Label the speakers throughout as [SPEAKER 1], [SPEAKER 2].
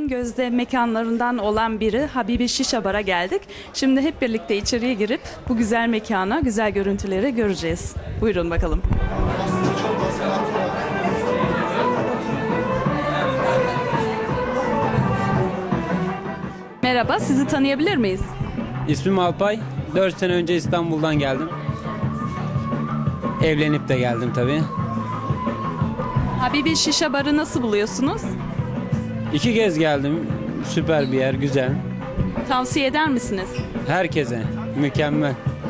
[SPEAKER 1] en gözde mekanlarından olan biri Habibi Şişa Bar'a geldik. Şimdi hep birlikte içeriye girip bu güzel mekana, güzel görüntüleri göreceğiz. Buyurun bakalım. Merhaba, sizi tanıyabilir miyiz?
[SPEAKER 2] İsmim Alpay. 4 sene önce İstanbul'dan geldim. Evlenip de geldim tabii.
[SPEAKER 1] Habibi Şişa Bar'ı nasıl buluyorsunuz?
[SPEAKER 2] 2 kez geldim. Süper bir yer, güzel.
[SPEAKER 1] Tavsiye eder misiniz?
[SPEAKER 2] Herkese mükemmel.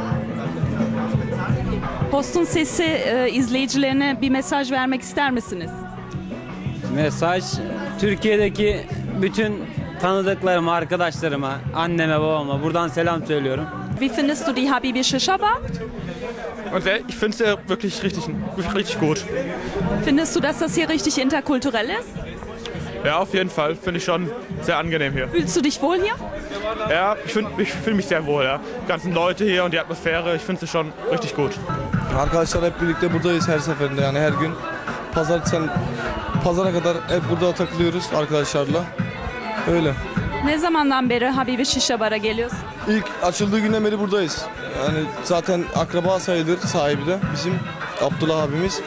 [SPEAKER 1] Postun Sesi izleyicilerine bir mesaj vermek ister misiniz?
[SPEAKER 2] Mesaj Türkiye'deki bütün tanıdıklarıma, arkadaşlarıma, anneme, babama buradan selam söylüyorum.
[SPEAKER 1] Wie findest du die Habibi Şişa Bar?
[SPEAKER 3] Und ich finde es wirklich richtig gut.
[SPEAKER 1] Findest du, dass das hier richtig interkulturell ist?
[SPEAKER 3] Ja, auf jeden Fall. Finde ich schon sehr angenehm hier.
[SPEAKER 1] Fühlst du dich wohl hier?
[SPEAKER 3] Ja, ich fühle mich sehr wohl. Ja. Die ganzen Leute hier und die Atmosphäre, ich finde sie schon richtig gut.
[SPEAKER 4] Arkadaşlar hep birlikte buradayız her seferinde, yani her gün. Pazara kadar hep burada takılıyoruz arkadaşlarla. Öyle.
[SPEAKER 1] Ne zamandan beri Habibi Şişa Bar'a geliyorsun?
[SPEAKER 4] İlk açıldığı günden beri buradayız. Yani zaten akraba sayılır sahibi de bizim Abdullah abimiz.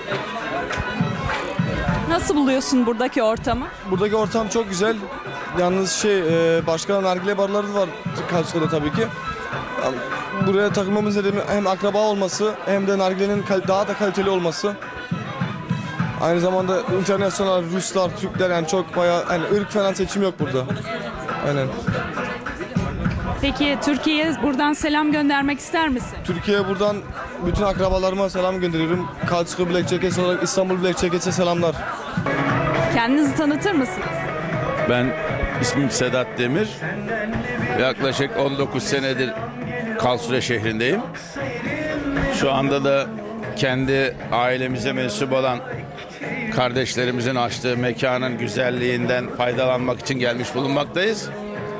[SPEAKER 1] Nasıl buluyorsun buradaki ortamı?
[SPEAKER 4] Buradaki ortam çok güzel. Yalnız başka nargile barları var Karşıyaka'da tabii ki. Yani buraya takılmamız nedeni hem akraba olması hem de nargilenin daha da kaliteli olması. Aynı zamanda internasyonel Ruslar, Türkler, yani çok bayağı, yani ırk falan seçim yok burada. Aynen.
[SPEAKER 1] Peki Türkiye'ye buradan selam göndermek ister misin?
[SPEAKER 4] Türkiye'ye buradan bütün akrabalarıma selam gönderiyorum. Karşıyaka Black Jackets olarak İstanbul Black Jackets'e selamlar.
[SPEAKER 1] Kendinizi tanıtır mısınız?
[SPEAKER 5] Ben ismim Sedat Demir. Yaklaşık 19 senedir Karlsruhe şehrindeyim. Şu anda da kendi ailemize mensup olan kardeşlerimizin açtığı mekanın güzelliğinden faydalanmak için gelmiş bulunmaktayız.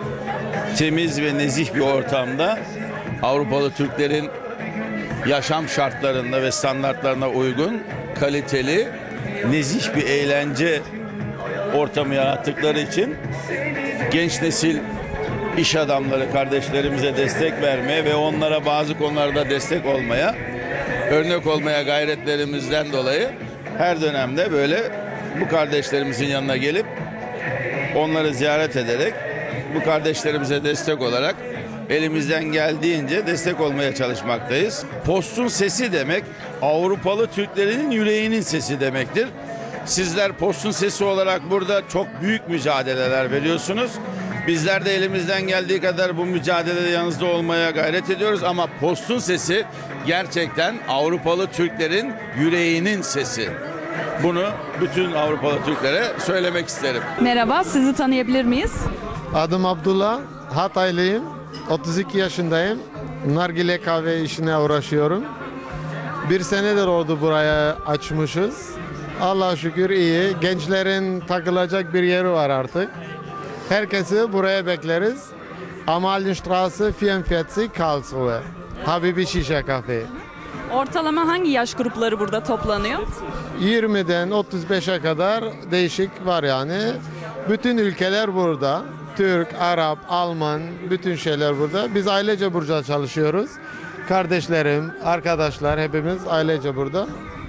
[SPEAKER 5] Temiz ve nezih bir ortamda Avrupalı Türklerin yaşam şartlarında ve standartlarına uygun, kaliteli, nezih bir eğlence ortamı yarattıkları için genç nesil iş adamları kardeşlerimize destek vermeye ve onlara bazı konularda destek olmaya, örnek olmaya gayretlerimizden dolayı her dönemde böyle bu kardeşlerimizin yanına gelip onları ziyaret ederek bu kardeşlerimize destek olarak elimizden geldiğince destek olmaya çalışmaktayız. Postun sesi demek Avrupalı Türklerin yüreğinin sesi demektir. Sizler Postun Sesi olarak burada çok büyük mücadeleler veriyorsunuz. Bizler de elimizden geldiği kadar bu mücadelede yanınızda olmaya gayret ediyoruz ama Postun Sesi gerçekten Avrupalı Türklerin yüreğinin sesi. Bunu bütün Avrupalı Türklere söylemek isterim.
[SPEAKER 1] Merhaba, sizi tanıyabilir miyiz?
[SPEAKER 6] Adım Abdullah, Hataylıyım, 32 yaşındayım. Nargile kahve işine uğraşıyorum. 1 senedir oldu buraya açmışız. Allah'a şükür iyi. Gençlerin takılacak bir yeri var artık. Herkesi buraya bekleriz. Amalienstraße 44 Karlsruhe. Habibi Şişa Kafe.
[SPEAKER 1] Ortalama hangi yaş grupları burada toplanıyor?
[SPEAKER 6] 20'den 35'e kadar değişik var yani. Bütün ülkeler burada. Türk, Arap, Alman, bütün şeyler burada. Biz ailece burada çalışıyoruz. Kardeşlerim, arkadaşlar hepimiz ailece burada.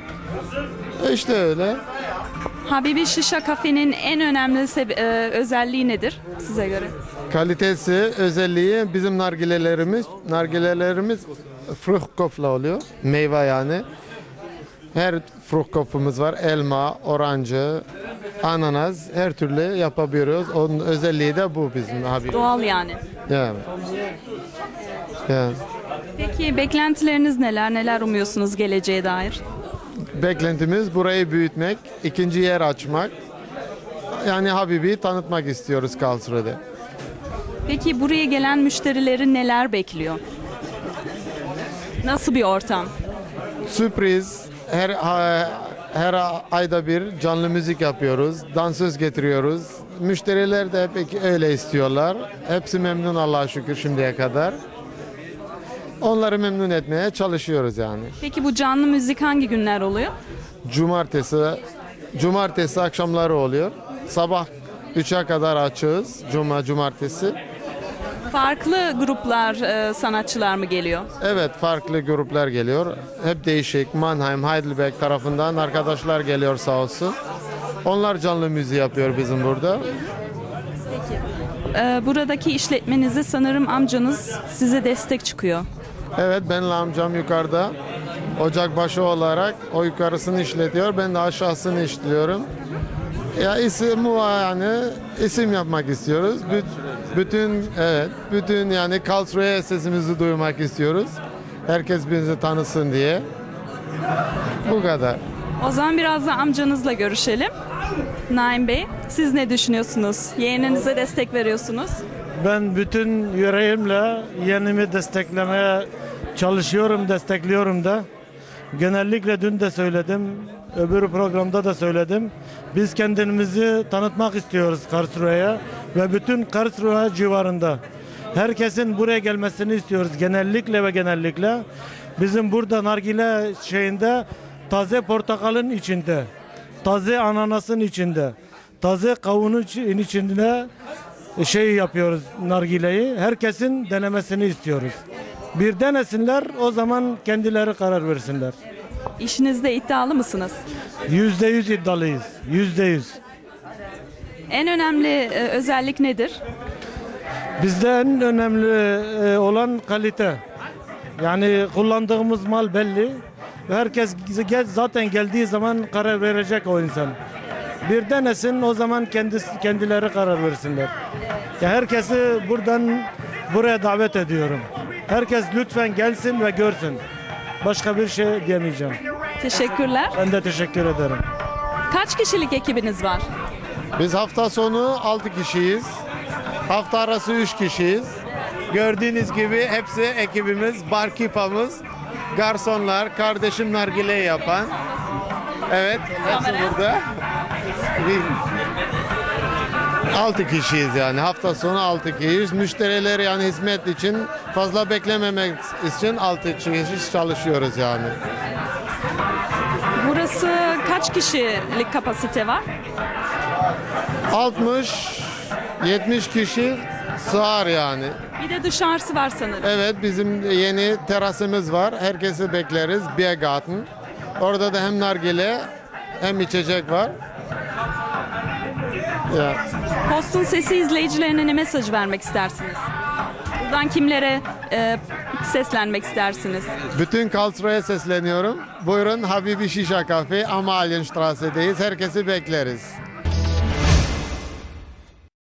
[SPEAKER 6] İşte öyle.
[SPEAKER 1] Habibi Şişa Kafe'nin en önemli özelliği nedir size göre?
[SPEAKER 6] Kalitesi, özelliği bizim nargilelerimiz Fruchtkopf'la oluyor. Meyve yani. Her Fruchtkopf'umuz var. Elma, orancı, ananas, her türlü yapabiliyoruz. Onun özelliği de bu bizim Habibi.
[SPEAKER 1] Doğal yani.
[SPEAKER 6] Yani. Yani.
[SPEAKER 1] Peki beklentileriniz neler? Neler umuyorsunuz geleceğe dair?
[SPEAKER 6] Beklentimiz burayı büyütmek, ikinci yer açmak. Yani Habibi'yi tanıtmak istiyoruz Karlsruhe'de.
[SPEAKER 1] Peki buraya gelen müşterileri neler bekliyor? Nasıl bir ortam?
[SPEAKER 6] Sürpriz, her ayda bir canlı müzik yapıyoruz, dansöz getiriyoruz. Müşteriler de hep öyle istiyorlar. Hepsi memnun Allah'a şükür şimdiye kadar. Onları memnun etmeye çalışıyoruz yani.
[SPEAKER 1] Peki bu canlı müzik hangi günler oluyor?
[SPEAKER 6] Cumartesi akşamları oluyor. Sabah 3'e kadar açığız. Cuma, cumartesi.
[SPEAKER 1] Farklı gruplar, sanatçılar mı geliyor?
[SPEAKER 6] Evet, farklı gruplar geliyor. Hep değişik. Mannheim, Heidelberg tarafından arkadaşlar geliyor sağ olsun. Onlar canlı müziği yapıyor bizim burada.
[SPEAKER 1] Buradaki işletmenizi sanırım amcanız size destek çıkıyor.
[SPEAKER 6] Evet, benle amcam yukarıda. Ocakbaşı olarak o yukarısını işletiyor. Ben de aşağısını işliyorum. Ya isim yapmak istiyoruz. Bütün yani Karlsruhe sesimizi duymak istiyoruz. Herkes bizi tanısın diye. Bu kadar.
[SPEAKER 1] O zaman biraz da amcanızla görüşelim. Naim Bey, siz ne düşünüyorsunuz? Yeğeninize destek veriyorsunuz.
[SPEAKER 7] Ben bütün yüreğimle yeğenimi desteklemeye çalışıyorum, destekliyorum da. Genellikle dün de söyledim, öbür programda da söyledim. Biz kendimizi tanıtmak istiyoruz Karlsruhe'ye ve bütün Karlsruhe civarında. Herkesin buraya gelmesini istiyoruz genellikle. Bizim burada nargile şeyinde taze portakalın içinde, taze ananasın içinde, taze kavunun içinde yapıyoruz nargileyi. Herkesin denemesini istiyoruz. Bir denesinler, o zaman kendileri karar versinler.
[SPEAKER 1] İşinizde iddialı mısınız?
[SPEAKER 7] %100 iddialıyız. %100.
[SPEAKER 1] En önemli özellik nedir?
[SPEAKER 7] Bizde en önemli olan kalite. Yani kullandığımız mal belli. Herkes zaten geldiği zaman karar verecek o insan. Bir denesin, o zaman kendileri karar versinler. Ya herkesi buraya davet ediyorum. Herkes lütfen gelsin ve görsün. Başka bir şey diyemeyeceğim.
[SPEAKER 1] Teşekkürler.
[SPEAKER 7] Ben de teşekkür ederim.
[SPEAKER 1] Kaç kişilik ekibiniz var?
[SPEAKER 6] Biz hafta sonu 6 kişiyiz. Hafta arası 3 kişiyiz. Gördüğünüz gibi hepsi ekibimiz, barkipamız, garsonlar, kardeşim nargile yapan. Evet, hepsi burada. 6 kişiyiz yani. Hafta sonu 6 kişiyiz. Müşteriler yani hizmet için fazla beklememek için 6 kişi çalışıyoruz yani.
[SPEAKER 1] Burası kaç kişilik kapasite var?
[SPEAKER 6] 60-70 kişi sığar yani.
[SPEAKER 1] Bir de dışarısı var sanırım.
[SPEAKER 6] Evet, bizim yeni terasımız var. Herkesi bekleriz. Biergarten. Orada da hem nargile hem içecek var. Ya.
[SPEAKER 1] Postun Sesi izleyicilerine ne mesaj vermek istersiniz? Buradan kimlere seslenmek istersiniz?
[SPEAKER 6] Bütün Karlsruhe'ye sesleniyorum. Buyurun Habibi Şişa Kafe, Amalienstrasse'deyiz. Herkesi bekleriz.